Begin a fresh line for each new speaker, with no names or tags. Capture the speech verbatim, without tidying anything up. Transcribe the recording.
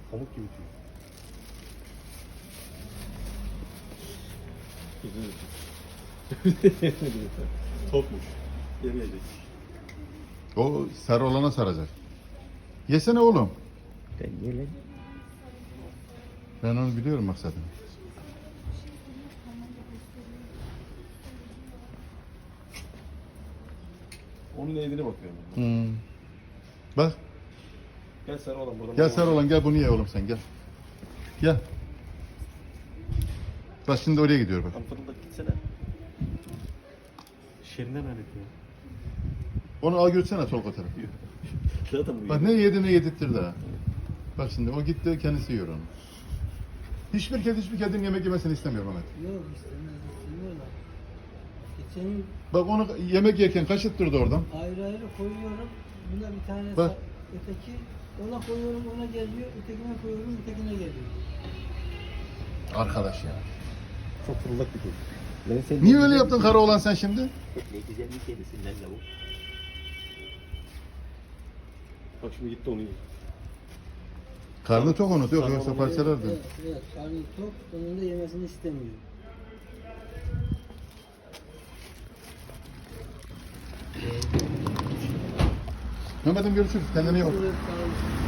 Pamuk gibi tüy. Topmuş. Yemeyecek.
O sarı olana saracak. Yesene oğlum.
Ben yerim.
Ben onu biliyorum maksadını.
Onun eğdine bakıyorum.
Hmm. Bak.
Gel sarı olan buradan.
Gel sarı olan gel bunu ye oğlum sen gel. Gel. Bak şimdi oraya gidiyor bak.
Tam fırıldak gitsene. Şerinden alet ya.
Onu al götürsene Tolga tarafı.
Zaten bu
Bak ne yedi ne yedirttirdi ha. Bak şimdi o gitti kendisi yiyor onu. Hiçbir kedi hiçbir kedinin yemek yemesini istemiyor Mehmet.
Yok istemez istemiyorlar. Geçen yıl
Bak onu yemek yerken kaşıttırdı oradan.
ayrı ayrı koyuyorum. Buna bir tane
Bak.
sa- öteki ona koyuyorum ona geliyor. Ötekine koyuyorum ötekine geliyor.
Arkadaş ya.
çok fırıldak bir kedi.
Ben sen
Niye öyle yaptın kara olan sen şimdi?
Ne güzel bir kedisin lan lavuk.
Bak şimdi gitti onu yiyor.
Karnı tok onu yok yoksa
Evet,
parçalardı.
evet, evet. Karnı tok. Onun da yemesini istemiyor.
Mehmet'im görüşürüz. Kendine iyi bak.
Evet, sağ olun.